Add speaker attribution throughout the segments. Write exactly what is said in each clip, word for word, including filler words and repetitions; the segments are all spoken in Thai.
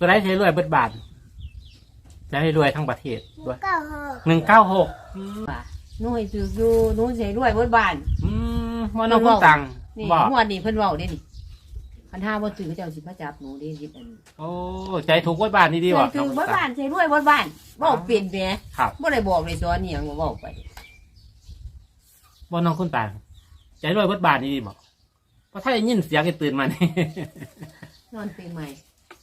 Speaker 1: ตัวได้ใช้รวยเบิดบาทจะให้รวยทั้งประเทศด้วย
Speaker 2: เก้าหก
Speaker 1: หนึ่งเก้าหก
Speaker 3: หน่วยถืออยู่หนูสิรวยเบิดบ้าน
Speaker 1: อืมมันน้องคุณตัง
Speaker 3: นี่
Speaker 1: บอก
Speaker 3: งวดนี้เพิ่นเว้าเด้นี่คันห้าบ่ถือเขาเจ้าสิมาจับหนูเด้สิอัน
Speaker 1: โอ้ใจถูกเบิดบาทนี่ดี
Speaker 3: ถื
Speaker 1: ว่ะ
Speaker 3: อเบิดบ้านสิรวยเบิดบ้านเว้าเป็นแหม
Speaker 1: ครับ
Speaker 3: บ่ได้บอกเลยสอนอีหยังก็เว้าไป
Speaker 1: ว่าน้องคุณตังใจรวยเบิดบาทนี่ดีบอกเพราะถ้าได้ยินเสียงก็ตื่นมานี่
Speaker 3: นอนเป็นใหม่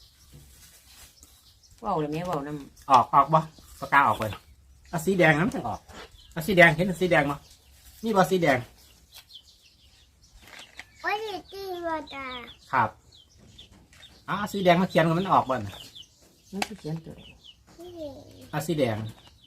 Speaker 3: เว้าเลยแม่เว้านำ
Speaker 1: ออกออกบ่ปากกาออกเลยเอาสีแดงน้ำจะออกเอาสีแดงเห็นสีแดงมั้ยนี่บ่สีแดง
Speaker 2: วันนี้ตีมาตา
Speaker 1: ครับเอาสีแดงมาเขียนกันมันออกบ่น
Speaker 3: มันสิเขียนตัวใด
Speaker 2: นี่
Speaker 1: เอาสีแดง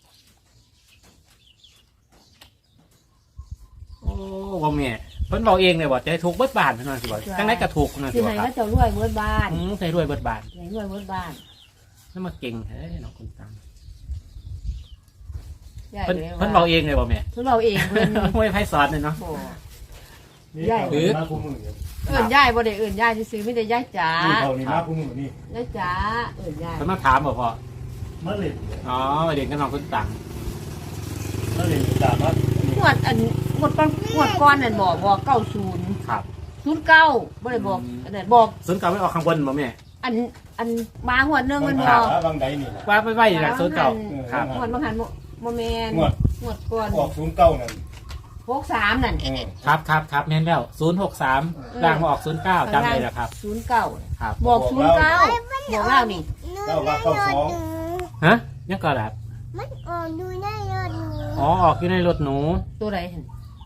Speaker 1: โอ้บ่แม่เพิ่นบอกเองเลยว่าใจถูกเบิดบาทเพิ่นว่าสิบ่จังได๋ก็ถูกเพิ่นว่า
Speaker 3: สิ
Speaker 1: สิบ่
Speaker 3: ให้
Speaker 1: ครั
Speaker 3: เขา
Speaker 1: บ
Speaker 3: เจ้ารวยเบิดบ้าน
Speaker 1: อืมใจรวยเบิดบาท
Speaker 3: ให้รวยเบิดบ้าน
Speaker 1: นั่นมาเก่งแท้น้องคุณตัง
Speaker 3: ยาย
Speaker 1: เพิ่น
Speaker 3: เลยว่า
Speaker 1: เพิ่นบอกเองเลยบ่แม่
Speaker 3: เพิ่นเว้าเองเพิ่น
Speaker 1: ไม่ไผสอนเลยเนาะ
Speaker 3: บ่
Speaker 4: นี่
Speaker 3: ใหญ่
Speaker 4: เขานี่มาคู่มือนี่
Speaker 3: เอิ้นยายบ่ได้เอิ้นยายซื่อๆมีแต่ยายจ๋า
Speaker 4: เขานี่มาคู่มือนี่
Speaker 3: ยายจ๋าเอิ้นยาย
Speaker 1: เพิ่นมาถามบ่พ่อ
Speaker 4: มาเล่น
Speaker 1: อ๋อเด็กกับน้องคุณตัง
Speaker 4: มาเล่นตามมา
Speaker 3: งวดอันงวดก่อนงวดก่อนนั่นบอกบอกเก้าศูนย์
Speaker 1: ครับ
Speaker 3: ศูนย์เก้าบ่ได้บอก
Speaker 1: อืม
Speaker 3: อันนั้นบอก
Speaker 1: ศูนย์เก่าไม่ออกข้างบนบ่แม่
Speaker 3: อันอันมางวดหนึงมัน
Speaker 4: บ
Speaker 3: บอก
Speaker 4: บางใดนี่แหละ
Speaker 1: ว่าไปไว้หลังศูนย์เก่าครับ
Speaker 3: งวดบางหันบ่บ่แม่น
Speaker 4: งวด
Speaker 3: งวดก่อน
Speaker 4: ออกศูนย์เก้านั่น
Speaker 3: หกสามนั่น
Speaker 4: เออ
Speaker 1: ครับครับครับแม่นแล้วศูนย์หกสาม
Speaker 3: เออ
Speaker 1: ล่างมาออกศูนย์เก้าจำเลยนะครับ
Speaker 3: ศูนย์เก้า
Speaker 1: ครับ
Speaker 3: บอกศูนย์เก้าบอกเล่านี่
Speaker 2: หนูได้ยอดหนู
Speaker 1: ฮะยังก็แบบ
Speaker 2: มันออกดูได้ยอดหนู
Speaker 1: อ๋อออกอยู่ในรถหนู
Speaker 3: ตัวใดหั่น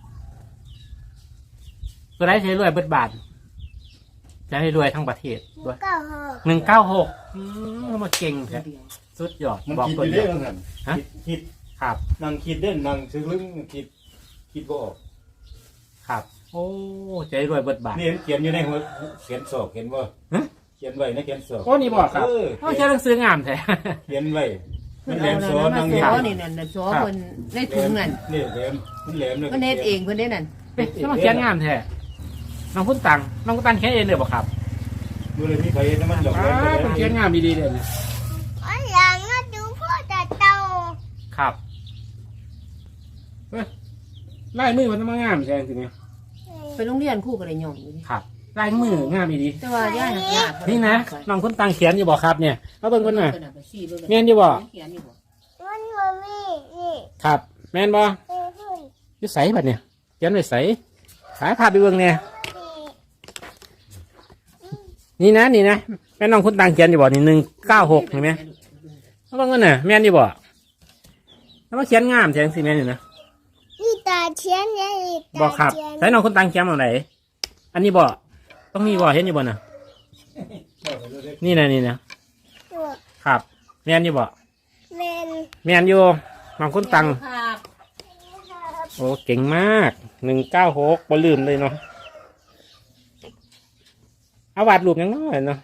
Speaker 1: ตัวได้ใช้รวยเบิดบาทจะให้รวยทั้งประเทศด้วย
Speaker 2: เก้าหก
Speaker 1: หนึ่งเก้าหกอืมมาเก่งแท้
Speaker 3: ตัวเดียว
Speaker 1: สุดยอด
Speaker 4: มัน
Speaker 1: บอก
Speaker 4: คิด
Speaker 1: คน
Speaker 4: อยู่
Speaker 1: เดี
Speaker 4: เด้
Speaker 1: ยว
Speaker 4: อหัน
Speaker 1: ฮะ
Speaker 4: คิดคิด
Speaker 1: ครับ
Speaker 4: นั่งคิดเด้นนั่งซื้อลึงคิดคิดบ่ออก
Speaker 1: ครับ โอ้ใจรวยเบิดบาท
Speaker 4: นี่เขียนอยู่ในหัวเขียนศอกเห็นบ่
Speaker 1: ฮะ
Speaker 4: เขียนไว้ในเขียนศอก
Speaker 1: โอ้นี่บอกครับ
Speaker 4: เออ
Speaker 1: โอ้ใช้หนังสืองามแท้
Speaker 4: เขียนไว้มั
Speaker 3: เพิ่
Speaker 4: น
Speaker 3: น
Speaker 4: แหล
Speaker 3: เอา
Speaker 4: ม
Speaker 3: นั่
Speaker 4: โซ
Speaker 3: นมา
Speaker 4: นั่ง
Speaker 3: โซ
Speaker 4: นี่
Speaker 3: นี่นั่นน่ะโซเพิ่นในถุงนั่น
Speaker 4: นี่แหลมมันแหลมเลย
Speaker 3: เพิ่นเฮ็ดเองเพิ่นได้นั่น
Speaker 1: เอ๊ะแล้วมาเขียนงามแท้น้องคุณตังน้องคุณตังเขียนเองเลยบอกครับ
Speaker 4: ดูเลยมีใครเห็นน้ำมันหยอก
Speaker 1: อ้า
Speaker 4: เลย
Speaker 1: วผมเขียนงามดีๆเลยนะ
Speaker 2: อันหลังก็ดูพ่อจะโต
Speaker 1: ครับเอ้ยลายมือมันต้องมางามใช่ไหม
Speaker 3: ไปโรงเรียนครูก็ได้ย่องอยู่ดิ
Speaker 1: ครับลายมืองามดี
Speaker 3: แต่ว่าย่าหักยาก
Speaker 1: นี่นะน้องคุณตังเขียนอยู่บอกครับเนี่ยเอาเบิ่งคนน่ะ
Speaker 3: เพิ่นเอาไปซี่เบิ่ง
Speaker 1: แม่นอยู่บ่
Speaker 3: เขียนอยู่บ่
Speaker 2: มันบ่มีนี่
Speaker 1: ครับ แม่นบ่
Speaker 2: เอ้ยเพิ่น
Speaker 1: อยู่ใสบัดเนี่ยเขียนไว้ใสขายภาพไปเบิ่งเนี่ย
Speaker 2: นี่
Speaker 1: นี่นะนี่นะแม่น้องคุณตังเขียนอยู่บ่นี่หนึ่งเก้าหกเห็นไหมเอาเบิ่งกันน่ะแม่นอยู่บ่แล้วมาเขียนงามแท้สิแม่นอยู่นะ
Speaker 2: นี่ตาเชียนเนี่ยนี่ตา
Speaker 1: บอกครับ
Speaker 2: เชียน
Speaker 1: ใส่น้องคุณตังเขียนตรงไหนอันนี้บ่ต้องมีบ่เห็นอยู่บ่น่ะนี่นะนี่นะ
Speaker 2: ตัว
Speaker 1: ครับแม่นอยู่บ่
Speaker 2: แมน
Speaker 1: แม่นอยู่น้องคุณตัง
Speaker 3: ครับ
Speaker 1: โอ้เก่งมากหนึ่งเก้าหกบ่ลืมเลยเนาะเอาวาดรูปยังน้อยเนาะ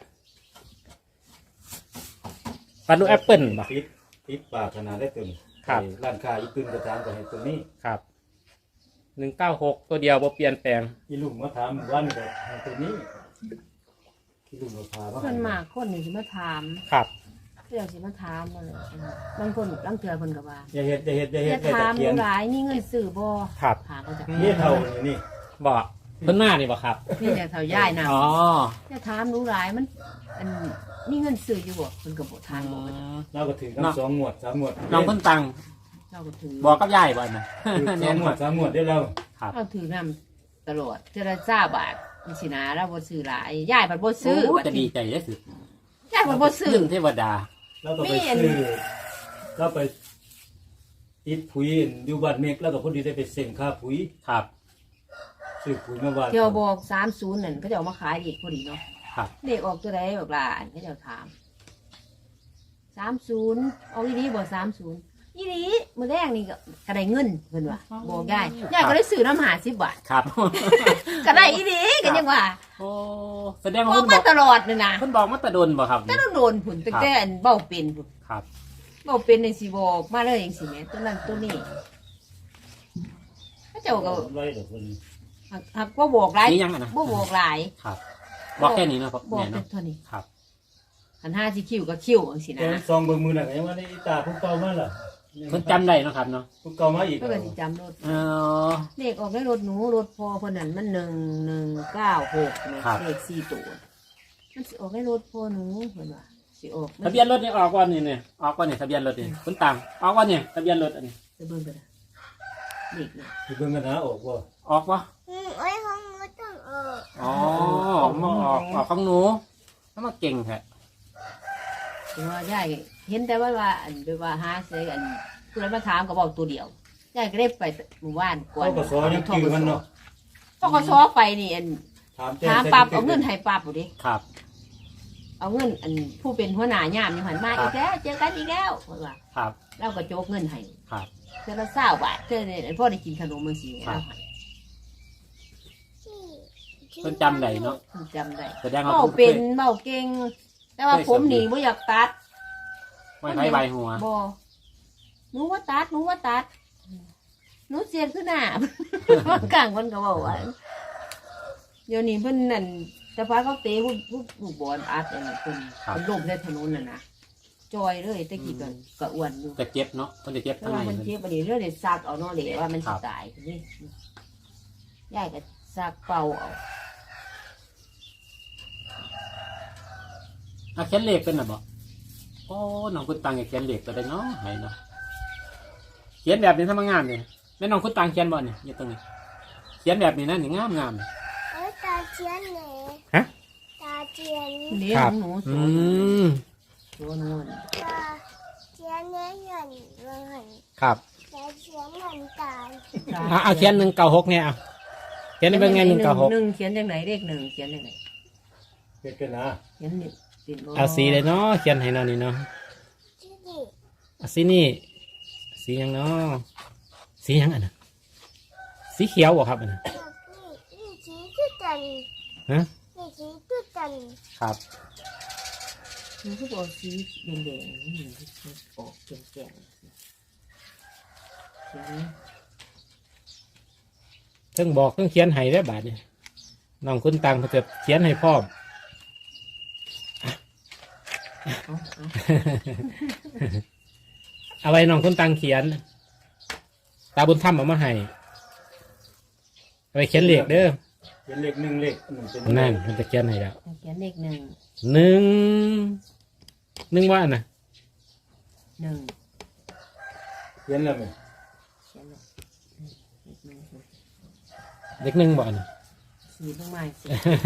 Speaker 1: วาดรูปแอปเปิลบ่
Speaker 4: ติดติดปากขนาดได้ตึง
Speaker 1: ครับ
Speaker 4: ร้านค้าอีตื่นกระทานกับให้ตัวนี้
Speaker 1: ครับหนึ่งเก้าหกตัวเดียวบ่เปลี่ยนแปลง
Speaker 4: อีลุงมาถามวันกับให้ตัวนี้อีลุงมาพาว่า
Speaker 3: เพิ่นมากคนนี่สิมาถาม
Speaker 1: ครับ
Speaker 3: เรื่องสิมาถามมาเลยบางคนลางเทื่อเพิ่นก็ว่า
Speaker 4: อย่าเฮ็ดอย่าเฮ็ดอย่า
Speaker 3: อ
Speaker 4: เฮ็ด
Speaker 3: ย่า
Speaker 4: อย่า
Speaker 3: ถาม
Speaker 4: ตะเคียน
Speaker 3: หลายมีเงินซื้อบ่
Speaker 1: ครับ
Speaker 3: หาก็จะ
Speaker 4: นี่เท่านี่
Speaker 1: บ่เพิ่นมานี่บ่ครับ
Speaker 3: นี่แต่เท่าย่ายน่ะ
Speaker 1: อ๋อ
Speaker 3: อย่าถามหนูหลายมันอันมีเงินซื้ออยู่บ่เพิ่นก็บ่ถามบ่ก็จะ
Speaker 4: เราก็ถือทั้งสองหมวดสามหมวด
Speaker 1: น้องเพิ่นตัง
Speaker 3: เราก็ถือ
Speaker 1: บอกกับยายบ่นะ
Speaker 4: ถือส
Speaker 1: แน่
Speaker 4: อง
Speaker 1: น
Speaker 4: หม
Speaker 1: หม
Speaker 4: ว
Speaker 1: ด
Speaker 4: ดสามหมวดได้แล้ว
Speaker 1: ครับ
Speaker 3: เราถือนำตลอดเจรจาบาทนี่สินะเราบ่ซื้อหลายย่ายบัดบ่ซื้อ
Speaker 1: โอ้
Speaker 3: บัด
Speaker 1: จะดี
Speaker 3: นี้
Speaker 1: ใจได้สุด
Speaker 3: ย่ายบัดบ่ซื้อ
Speaker 1: หนึ่งเทวดา
Speaker 4: แล้วก็ไป
Speaker 3: มีอัน
Speaker 4: ซื้อก็ไปติดปุ๋ยอยู่บ้านเมฆแล้วก็พอดีได้ไปเซ็นค่าปุ๋ย
Speaker 1: ครับ
Speaker 4: ซื้อปุ๋ยมาบ้าน
Speaker 3: เที่ยวบอกสามสิบนั่นเขาจะเอามาขายอีกพอดีเนาะ
Speaker 1: ครับ
Speaker 3: เลขออกตัวใดบอกหลานเขาจะถามสามศูนย์เอาอีนี้บอกสามศูนย์อีนี้มือแรกนี่ก็กระไดเงินเพิ่นว่าบอกยายยายก็เลยซื้อน้ำหาสิบบาท
Speaker 1: ครับ
Speaker 3: กระไดอีนี้กันยังว่า
Speaker 1: โอ้แสดง
Speaker 3: บ
Speaker 1: ว่า
Speaker 3: อก
Speaker 1: เพิ่นบ
Speaker 3: มา
Speaker 1: อก
Speaker 3: ตลอดเลยนะ
Speaker 1: เพิ่นบอกมาแตะดนบ่ครับ
Speaker 3: แต่ต้องโดนผุนตั้งแต่อันเบ้าเป็นผุน
Speaker 1: ครับ
Speaker 3: เบ้าเป็นในสิบอกมาเลยเองสิแม่ตัวนั้นตัวนี้เขาเจ้าก็
Speaker 4: ไว้เดี๋ยวคน
Speaker 3: หักหักบ่บอกหลาย
Speaker 1: นี่ยังอะนะ
Speaker 3: บ่บอกหลาย
Speaker 1: ครับ บอกแค่นี้เนาะ
Speaker 3: บอก
Speaker 1: แม่
Speaker 3: แต่
Speaker 1: เนาะ
Speaker 3: เท่านี้
Speaker 1: ครับ
Speaker 3: คันห้าสิคิวก็คิวจังซี่
Speaker 4: แต่
Speaker 3: นะ
Speaker 4: ซองเบิ่งมือน่ะก็ยังว่าได้อีตาผู้เก่ามาล่ะ
Speaker 1: เพิ่นจำได้เนาะครับเนาะ
Speaker 4: ผู้เก่ามาอีก
Speaker 3: เพิ่นก็สิจำรถ
Speaker 1: อ๋อ
Speaker 3: เลขออกในรถหนูรถพอเพิ่นนั่นมันหนึ่งหนึ่งเก้าหกแม่
Speaker 1: ครับ
Speaker 3: เลขสี่ตัวมันสิออกในรถพอหนูเพิ่นว่าสิออก
Speaker 1: ทะเบียนรถนี่ออกก่อนนี่เนี่ยออกก่อนนี่ทะเบียนรถนี่คุณตังออกก่อนนี่ทะเบียนรถอันนี้
Speaker 3: จะเบิ่งกันนะเลขเนี่ย
Speaker 4: สิเบิ่งกันหาออกบ่
Speaker 1: ออกปะ
Speaker 2: อืมไอ้ของหนูต้องเออ
Speaker 1: อ๋อมาออกออกของหนูถ้ามาเก่งแท้
Speaker 3: คือว่ายายเห็นแต่ว่าว่าอันไปว่าหาเสยอันผู้ใดมาถามก็บอกตัวเดียวยายก็ได้ไปหมู่บ้านก่อน
Speaker 4: เขาก็สอยังชื่อมันเนาะ
Speaker 3: พ่อก็ซอไปนี่อัน
Speaker 4: ถาม
Speaker 3: ถามปั๊บเอาเงินให้ปั๊บบ่ดิ
Speaker 1: ครับ
Speaker 3: เอาเงินอันผู้เป็นหัวหน้ายามอยู่หันมาอีกแล้วเจอกันอีกแล้วเพิ่นว่า
Speaker 1: ครับ
Speaker 3: เราก็โจกเงินให้
Speaker 1: ครับ
Speaker 3: เทื่อละเศร้าบาทเทื่อนี่พ่อได้กินขนมมื้อสิ
Speaker 1: ครับ
Speaker 3: เราให้
Speaker 1: เพิ่นจำได้เนาะ
Speaker 3: เพิ่นจำได้
Speaker 1: แสดงว่า
Speaker 3: เบา
Speaker 1: เพิ่น
Speaker 3: เป็นเบาเก่ง แต่ว่าผมนี่บ่อยากตัด
Speaker 1: ไม่ไผใบหัว
Speaker 3: บ่หนูว่าตัดหนูว่าตัดหนูเสียนขึ้นหน้า กลางคนก็บอกว่าเดี๋ยวนี้เพิ่นนั่นแต่ฟ้าเขาเตะผู้ผู้ผู้บอลอัดอันนั้นเพิ่น
Speaker 1: ครับ
Speaker 3: เพิ่นล้มในถนนน่ะนะจอยเลยแตะกี้ก็ก็อ้วนอยู่
Speaker 1: จะเจ็บเนาะเพิ่นจะเจ็บ
Speaker 3: แต่
Speaker 1: ทาง
Speaker 3: ว่า
Speaker 1: ไหน
Speaker 3: มัน
Speaker 1: เพิ่น
Speaker 3: เจ็บอันนี้เรื่องเด็ดซักเอาเนาะเลยว่ามัน
Speaker 1: ครั
Speaker 3: สิ
Speaker 1: บ
Speaker 3: ตายนี่ยายก็ซักเป่าเอา
Speaker 1: อ่ะเขียนเลขเป็นน่ะบ่โอ้น้องคุณตังอยากเขียนเลขก็ได้เนาะให้เนาะเขียนแบบนี้ทำงานนี่แม่น้องคุณตังเขียนบ่นี่อยู่ตรงนี้เขียนแบบนี้นะนี่งามงาม
Speaker 2: เอ้ยตาเชียนไหน
Speaker 1: ฮะ
Speaker 2: ตาเชียน
Speaker 3: เลี้ย
Speaker 1: ครั
Speaker 3: ง
Speaker 1: บ
Speaker 3: หนูโซ
Speaker 1: อืม
Speaker 3: โซนวล
Speaker 2: ตาเชียนเนี่ยเงินเงิน
Speaker 1: ครับ
Speaker 2: ตาเชียนเงินตาย
Speaker 1: อ่ะเอาเขียนหนึ่งเก้าหกเนี่ยเอาเขียนเป็นไงหนึ่งเก้าหก
Speaker 3: หนึ่งเขียนจังไหนเลขหนึ่งเขียนจังไหน
Speaker 4: เฮ็ดกันนะ
Speaker 3: เขียนนี่ติดบ่
Speaker 1: เอาสีเลยเนาะเขียนให้เนาะนี่เนาะ
Speaker 2: ที่นี่
Speaker 1: เอาสีนี่สีหยังเนาะสีหยังอันน่ะสีเขียวบ่ครับอันน่ะ
Speaker 2: นี่นี่ชี้จุดจัน
Speaker 1: ฮะ
Speaker 2: นี่ชี้จุดจัน
Speaker 1: ครับ
Speaker 3: หนูก็บอกสีแดงๆนี่มันออกแก่งๆเขียน
Speaker 1: เพิ่งบอกเพิ่งเขียนให้ได้อบาทนี่น้องคุณตังเพิ่นจะเขียนให้พร้อม
Speaker 3: เอาเอา
Speaker 1: เอาไว้น้องคุณตังเขียน ตาบุญธรรมเอามาให้เอาไปเขียนเลขเด้อ
Speaker 4: เป็นเลขหนึ่งเลขหนึ่งเป็น
Speaker 1: นั่นมันจะเขียนให้แล้ว
Speaker 3: เขียนเลขหนึ่ง
Speaker 1: หนึ่งหนึ่งว่าอันน่ะ
Speaker 3: หนึ่ง
Speaker 4: เขียนแล้วไหม
Speaker 3: เขียนเลยเลขหนึ่ง
Speaker 1: เลขหนึ่งบ่อันน่ะ
Speaker 3: สีลงมาสิ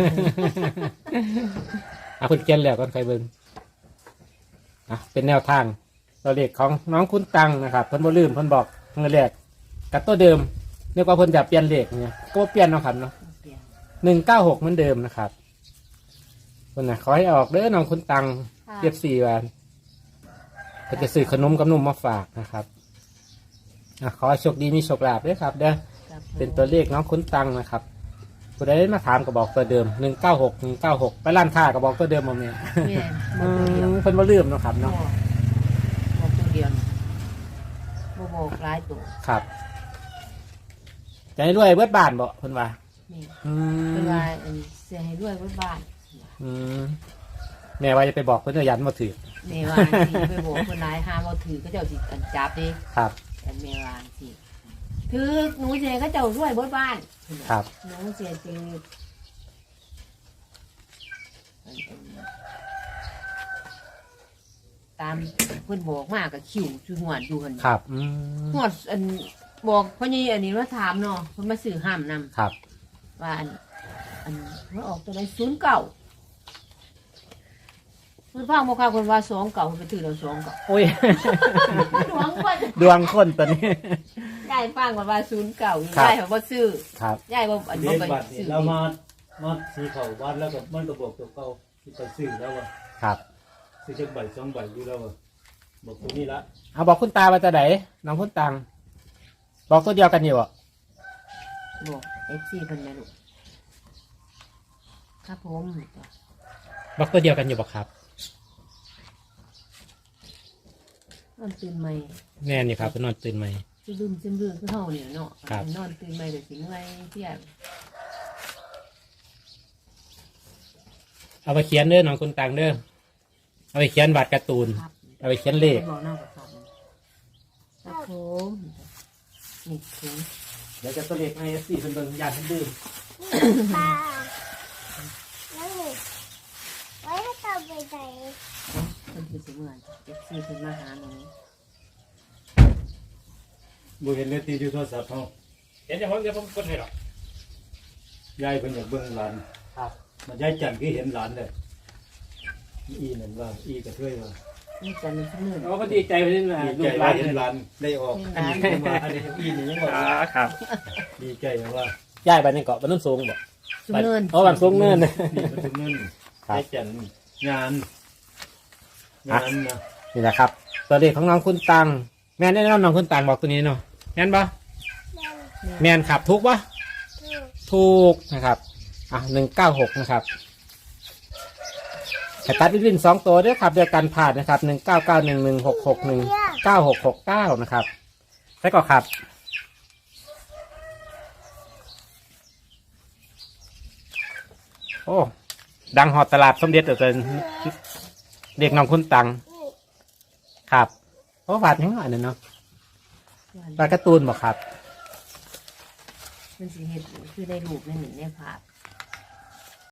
Speaker 1: เอาคุณเขียนแล้วก็ใครเบิ่งอ่ะเป็นแนวทางตัวเลขของน้องคุณตังนะครับเพิ่นบ่ลืมเพิ่นบอกเงินแรกกับตัวเดิมเรียกว่าเพิ่นจะเปลี่ยนเลขเนี่ยก็บ่เปลี่ยนเนาะครับเนาะ
Speaker 3: เปลี่ยน
Speaker 1: หนึ่งเก้าหกเหมือนเดิมนะครับคนน่ะขอให้ออกเด้อน้องคุณตังเทียบสี่วันก็จะซื้อขนมกับนมมาฝากนะครับอ่ะขอให้โชคดีมีโชคลาภด้วยครับเด้อ
Speaker 3: ครับ
Speaker 1: เป็นตัวเลขน้องคุณตังนะครับผู้ใดมาถามก็บอกตัวเดิมหนึ่งเก้าหกหนึ่งเก้าหกไปร้านค้าก็บอกตัวเดิมมาเนี่ย
Speaker 3: เนี่ย
Speaker 1: อื
Speaker 3: บอกตัวเดียว
Speaker 1: มเพิ่นบ่ลืมเนาะครับ
Speaker 3: บอ
Speaker 1: เนาะ
Speaker 3: กบอกตัวเดียวบ่บอกหลายตัว
Speaker 1: ครับใจรวยเบิดบ้านบ่เพิ่นว่า
Speaker 3: นี่
Speaker 1: อื
Speaker 3: เป็น
Speaker 1: ม
Speaker 3: ว่าอันเสียให้ด้วยไว้บ้าน
Speaker 1: อืมแม่ว่าจะไปบอกเพิ่นว่ายันบ่ถือ
Speaker 3: เมวาสิไปบอกคนร้ายห้ามเอาถือก็เจ้าสิอันจับดิ
Speaker 1: ครับ
Speaker 3: อันเมวาสิถือหนูเสียก็เจ้าด้วยไว้บ้าน
Speaker 1: ครับ
Speaker 3: หนูเสียจริงตามเพิ่นบอกมากกับคิวจุหวดอยู่หัน
Speaker 1: ครับอืม
Speaker 3: หวดอันบอกพ่อนี่อันนี้ว่าถามเนาะเพิ่นมาสื่อห้ามนำ
Speaker 1: ครับ
Speaker 3: ว่าอันอันว่าออกตัวไหนศูนย์เก่าเพิ่นฟังบอกค่ะคนว่าสองเก่าเพิ่นไปถือเราสองเก่า
Speaker 1: โอ้ย
Speaker 3: ดวงว่า
Speaker 1: ดวงคนตัวนี้
Speaker 3: ยายฟังว่าว่าศูนย์เก่าอยู่
Speaker 1: ครับ
Speaker 3: ยายเขาบ่ซื้อ
Speaker 1: ครับ
Speaker 3: ยายบ่อัน
Speaker 4: เล
Speaker 3: บ่
Speaker 4: ข
Speaker 3: ไป
Speaker 4: บัตรนี่
Speaker 3: ซื้อ
Speaker 4: เรามามาสีเขาวัดแล้วก็มันก็บอกตัวเก่าที่ไปซื้อแล้วว่า
Speaker 1: ครับ
Speaker 4: ซื้อจักใบสองใบอยู่แล้วว่าบอกตัวนี้ละ
Speaker 1: เอาบอกคุณตาว่าจะไหนน้องคุณตังบอกตัวเดียวกันอยู่อ่ะ
Speaker 3: บอก เอฟ ซี เพิ่นแม่ลูกครับผม
Speaker 1: บอกตัวเดียวกันอยู่บอกครับ
Speaker 3: นอนตื่นใหม่
Speaker 1: แน่นี่ครับนอนตื่นไหม
Speaker 3: สิลืมซึมลืมคือเฮาเนี่ยเนาะ
Speaker 1: ครับ
Speaker 3: นอนตื่นใหม่ก็สิเมื่อยเที่ยง
Speaker 1: เอาไปเขียนเด้อน้องคุณตังเด้อเอาไปเขียนวาดการ์ตูน
Speaker 3: ครับ
Speaker 1: เอาไปเขียนเลข
Speaker 3: บอกหน้ากับครับครับผมนี่ถุง
Speaker 1: เดี๋ยวจะตัวเลขไอเอฟซีเป็นเบิ่งยานเพิ่นดื่ม
Speaker 2: ปลาแล้วนี่ไว้ให้ต่อไปไหน
Speaker 3: คนที่สิเมื่อยเอฟซีเป็นมาหาหนู
Speaker 4: บ่เห็นเลยตีอยู่โทรศัพท์เฮา
Speaker 1: เห็นเดี๋ยวผมเดี๋ยวผมกดให้หรอก
Speaker 4: ยายเพิ่นอยากเบิ่งหลาน
Speaker 1: ครับ
Speaker 4: มันยายจันทร์คือเห็นหลานเลยอีนั่นว่าอีกระเทยว่า
Speaker 3: นี่จันทร์ขึ้นเมื่อย
Speaker 1: โอ้ก็ดีใจไปนี่นะ
Speaker 4: ดี
Speaker 1: ลู
Speaker 4: ใจ
Speaker 1: กหลา
Speaker 4: ว่าน เห็นหลานได้ออก
Speaker 3: เห็
Speaker 4: อัน
Speaker 3: นหลาน
Speaker 4: นี้เพิ่นว่าอันนี้อีนี่ยังบอก
Speaker 1: อ๋อ
Speaker 4: ว่า
Speaker 1: ครับ
Speaker 4: ดีใจนะว่า
Speaker 1: ย้ายไปในเกาะบ้านโนุ่นสูงบ่
Speaker 3: สุเนิน
Speaker 1: โอ้บ้านสูงเนิน
Speaker 4: นี่มันถึงเงิน
Speaker 1: ครับ
Speaker 4: ยายจันทร์งานงานนะ
Speaker 1: นี่แหละครับ ตัวเลขของน้องคุณตัง แม่นได้น้องน้องคุณตังบอกตัวนี้เนาะแม่นปะ
Speaker 2: แม่
Speaker 1: แม่นครับถูกปะ
Speaker 2: ถูก
Speaker 1: ถูกนะครับอ่ะหนึ่งเก้าหกนะครับแต่ตัดวินสองตัวด้วยครับเดียวกันผ่านนะครับหนึ่งเก้าเก้าหนึ่งหนึ่งหกหกหนึ่งเก้าหกหกเก้านะครับใช่ก็ครับ โอ้ ดังหอดตลาดสมเด็จเกินเด็กน้องคุณตัง
Speaker 2: นี่
Speaker 1: ครับเพราะวาดยังไงเนี่ยเนาะวาดการ์ตูนบอกครับ
Speaker 3: มันสิเห็ดคือได้รูปในหนึ่งในภาพ